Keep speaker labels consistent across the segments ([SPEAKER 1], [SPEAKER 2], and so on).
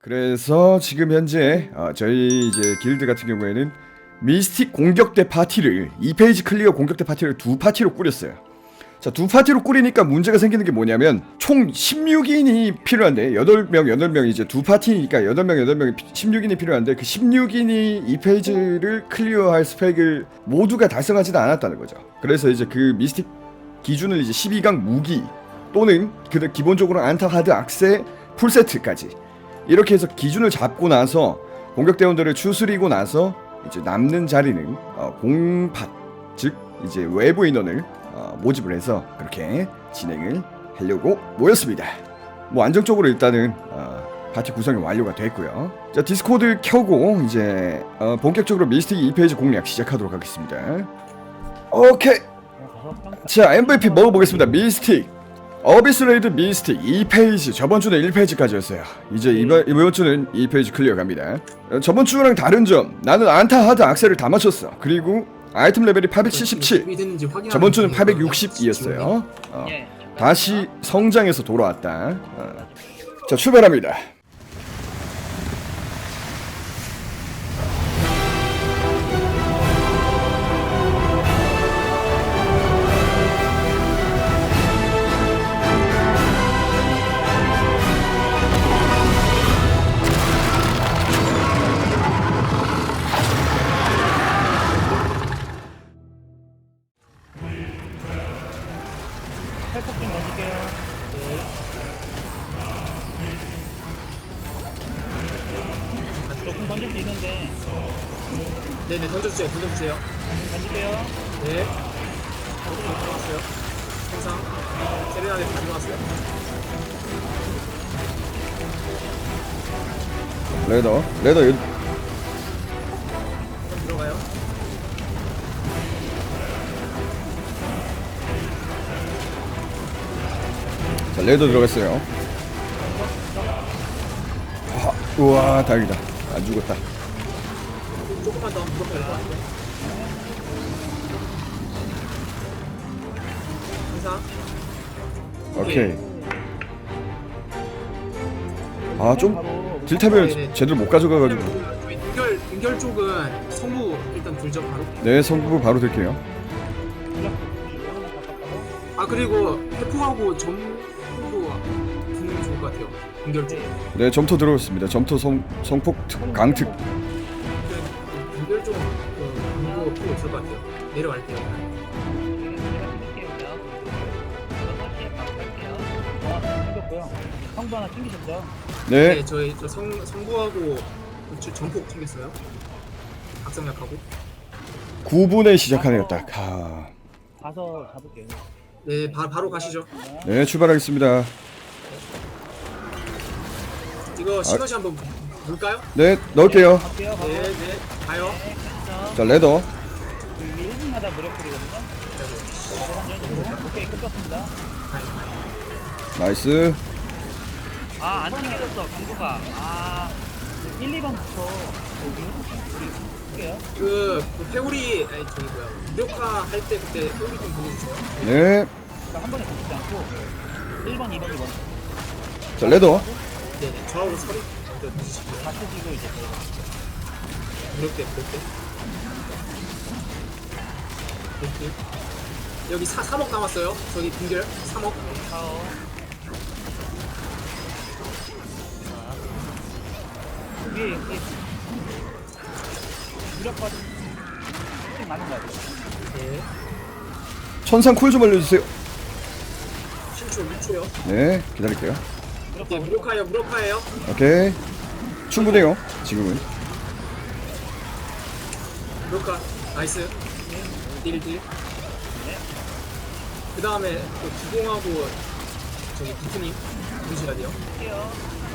[SPEAKER 1] 그래서 지금 현재 저희 이제 길드 같은 경우에는 미스틱 공격대 파티를 2페이지 클리어 공격대 파티를 두 파티로 꾸렸어요. 자, 두 파티로 꾸리니까 문제가 생기는 게 뭐냐면 총 16인이 필요한데 8명 이제 두 파티니까 8명 16인이 필요한데 그 16인이 2페이지를 클리어할 스펙을 모두가 달성하지도 않았다는 거죠. 그래서 이제 그 미스틱 기준을 이제 12강 무기 또는 그 기본적으로 안타 하드 악세 풀세트까지 이렇게 해서 기준을 잡고 나서 공격대원들을 추스리고 나서 이제 남는 자리는 공팟 즉 이제 외부 인원을 모집을 해서 그렇게 진행을 하려고 모였습니다. 뭐 안정적으로 일단은 파티 구성이 완료가 됐고요. 자, 디스코드 켜고 이제 본격적으로 미스틱 2페이지 공략 시작하도록 하겠습니다. 오케이. 자, MVP 먹어보겠습니다. 미스틱 어비스 레이드 미스틱 2페이지. 저번 주는 1페이지까지였어요. 이제 이번 주는 2페이지 클리어 갑니다. 저번 주랑 다른 점, 나는 안타 하드 악셀을 다 맞췄어. 그리고 아이템 레벨이 877. 저번 주는 862였어요. 다시 성장해서 돌아왔다. 자, 출발합니다.
[SPEAKER 2] 탈폭 좀 던질게요. 조금 던질 수 있는데.
[SPEAKER 3] 네네, 던져주세요.
[SPEAKER 2] 던질게요.
[SPEAKER 3] 네. 던져주세요. 항상 세레나데 가져왔어요.
[SPEAKER 1] 레더
[SPEAKER 3] 들어가요.
[SPEAKER 1] 자, 레더 들어갔어요. 우와, 다행이다. 안 죽었다.
[SPEAKER 3] 조금만 더 무겁게 될것 같아요. 항상.
[SPEAKER 1] 오케이. 좀 딜탑을 제대로 못 가져가가지고.
[SPEAKER 3] 등결 쪽은 성부 일단 들죠 바로.
[SPEAKER 1] 네, 성부 바로 들게요.
[SPEAKER 3] 그리고 해프하고 점도 붙는 게 좋을 것 같아요. 등결 쪽.
[SPEAKER 1] 네, 점토 들어왔습니다. 점토 성폭 강특.
[SPEAKER 3] 등결 쪽 공부 필요 있을 것 같아요. 내려갈게요.
[SPEAKER 2] 성부 하나 챙기셨죠?
[SPEAKER 1] 네,
[SPEAKER 3] 저 성부하고 전폭 챙겼어요. 각성약하고.
[SPEAKER 1] 9분에 시작하네요, 딱.
[SPEAKER 2] 가서 잡을게요.
[SPEAKER 3] 네, 바로 가시죠.
[SPEAKER 1] 네, 출발하겠습니다.
[SPEAKER 3] 이거 시너지 한번 볼까요?
[SPEAKER 1] 네, 넣을게요.
[SPEAKER 2] 갈게요. 가서.
[SPEAKER 3] 네, 가요.
[SPEAKER 1] 자, 레더.
[SPEAKER 2] 1분마다 무력풀이거든요. 오케이, 끝났습니다.
[SPEAKER 1] 나이스.
[SPEAKER 2] 안 챙겨졌어, 강구가. 1, 2번부터 우리 할게요.
[SPEAKER 3] 그 페오리 무력화 할 때 그때 페오리 좀 보내주세요.
[SPEAKER 1] 네.
[SPEAKER 2] 한 번에 붙이지 않고 1번, 2번, 2번.
[SPEAKER 1] 자, 레더.
[SPEAKER 3] 네네, 저하고 서리 먼저 드시고요.
[SPEAKER 2] 다 쓰시고 이제
[SPEAKER 3] 무력대. 여기 3억 남았어요. 저기 빙결 3억.
[SPEAKER 2] 파워. 위에 무력화 좀 많은 거 같아요.
[SPEAKER 3] 네.
[SPEAKER 1] 천상 쿨 좀 알려주세요.
[SPEAKER 3] 10초, 6초요.
[SPEAKER 1] 네, 기다릴게요.
[SPEAKER 3] 네, 무력화예요.
[SPEAKER 1] 오케이. 충분해요, 지금은.
[SPEAKER 3] 무력화. 나이스. 딜. 그 다음에 기공하고 저기 비트님 부르셔야 돼요.
[SPEAKER 2] 할게요.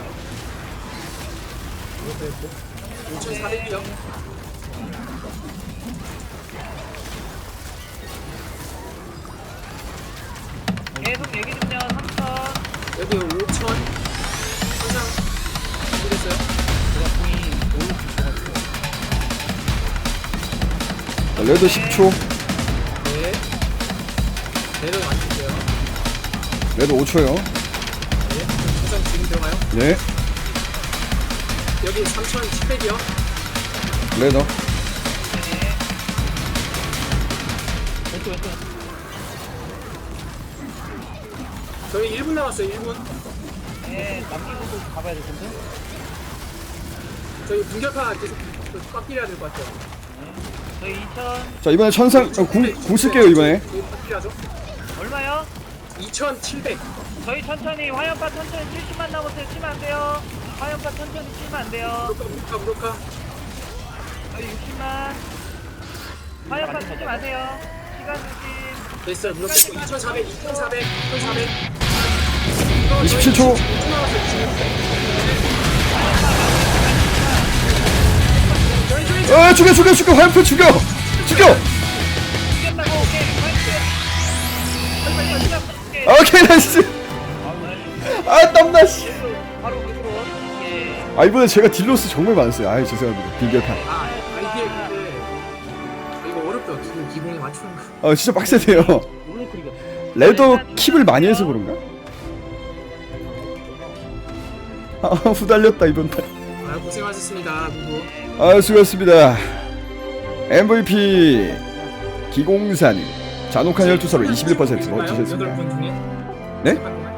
[SPEAKER 3] 이것도 했고 5,400이요.
[SPEAKER 2] 계속 얘기 좀요. 3천.
[SPEAKER 3] 여기 5,000 항상 모르겠어요.
[SPEAKER 2] 제가 공이 올라올 것 같아요.
[SPEAKER 1] 자, 레더 10초.
[SPEAKER 3] 네. 내려 맞출게요.
[SPEAKER 1] 레더 5초요.
[SPEAKER 3] 네. 항상 지금 들어가요.
[SPEAKER 1] 네.
[SPEAKER 3] 여기 3,700이요.
[SPEAKER 1] 레더.
[SPEAKER 2] 네. 왼쪽.
[SPEAKER 3] 저희 1분 남았어요. 1분.
[SPEAKER 2] 네, 남기고 가봐야 될 텐데.
[SPEAKER 3] 저희 공격파 계속 빡길해야 될 것 같아요.
[SPEAKER 2] 저희 2,000
[SPEAKER 1] 자 이번에 천상 궁 쓸게요 이번에.
[SPEAKER 3] 저희 빡길하죠.
[SPEAKER 2] 얼마요?
[SPEAKER 3] 2,700.
[SPEAKER 2] 저희 천천히 화염파 천천히 70만 남았어요. 치면 안 돼요. 화염파 천천히 치면 안 돼요.
[SPEAKER 3] 무력화.
[SPEAKER 2] 저희 60만. 화염파 치지 마세요. 시간 주심.
[SPEAKER 3] 됐어요. 무력화. 2,400. 2,400.
[SPEAKER 1] 27초. 아 죽여 화염표 죽여.
[SPEAKER 2] 죽였다고. 오케이. 파이트. 빨리
[SPEAKER 1] 오케이 나이스. 아 땀나 씨.
[SPEAKER 2] 바로 그으로 예.
[SPEAKER 1] 아 이번에 제가 딜로스 정말 많았어요. 아유 죄송합니다. 빈결판.
[SPEAKER 3] 이게 근데 이거 어렵다. 지금 기공에 맞추는 거.
[SPEAKER 1] 아 진짜 빡세네요.
[SPEAKER 2] 올로크리가.
[SPEAKER 1] 레더 킵을 많이 해서 그런가? 아 후달렸다 이번 판.
[SPEAKER 3] 고생하셨습니다. 누구?
[SPEAKER 1] 아 수고하셨습니다. MVP 기공사님 잔혹한 혈투사로 21% 멋지셨습니다.
[SPEAKER 3] 8분 중에?
[SPEAKER 1] 네?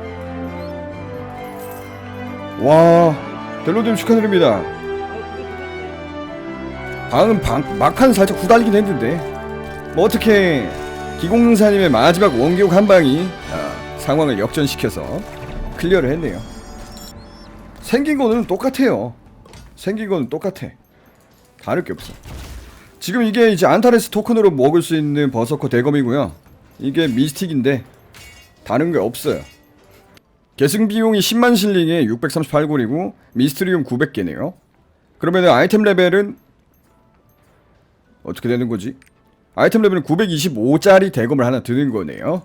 [SPEAKER 1] 와 델로님 축하드립니다. 방금 막판 살짝 후달리긴 했는데 뭐 어떻게 기공사님의 마지막 원기옥 한 방이 상황을 역전시켜서 클리어를 했네요. 생긴 거는 똑같아요. 생긴 거는 똑같아. 다를 게 없어. 지금 이게 이제 안타레스 토큰으로 먹을 수 있는 버서커 대검이고요. 이게 미스틱인데 다른 게 없어요. 계승 비용이 10만 실링에 638골이고 미스트리움 900개네요. 그러면 아이템 레벨은 어떻게 되는 거지? 아이템 레벨은 925짜리 대검을 하나 드는 거네요.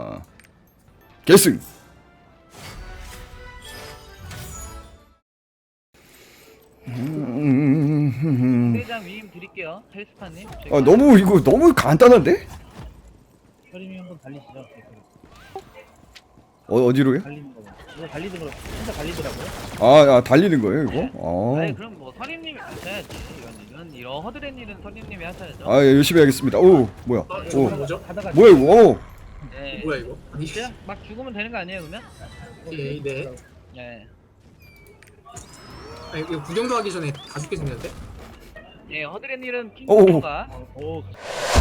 [SPEAKER 1] 계승.
[SPEAKER 2] 대장 위임 드릴게요. 헬스파님.
[SPEAKER 1] 너무 이거 너무 간단한데?
[SPEAKER 2] 혈임이 한번 달리시죠.
[SPEAKER 1] 어디로요?
[SPEAKER 2] 달리는 거. 이거 달리는 거 진짜 달리더라고요.
[SPEAKER 1] 달리는 거예요 이거?
[SPEAKER 2] 아니 그럼 뭐 선임님이 하셔야지. 이런 허드렛 일은 선임님이 하셔야죠.
[SPEAKER 1] 예, 열심히 하겠습니다. 오 뭐야? 오
[SPEAKER 3] 뭐죠?
[SPEAKER 2] 하다가
[SPEAKER 1] 뭐야 이거? 오.
[SPEAKER 2] 네.
[SPEAKER 3] 뭐야 이거? 아니,
[SPEAKER 2] 그냥 막 죽으면 되는 거 아니에요 그러면?
[SPEAKER 3] 네.
[SPEAKER 2] 네.
[SPEAKER 3] 아니, 이거 구경도 하기 전에 다 죽게 생겼는데?
[SPEAKER 2] 예, 허드렛 일은
[SPEAKER 1] 오.
[SPEAKER 2] 킹가. 오.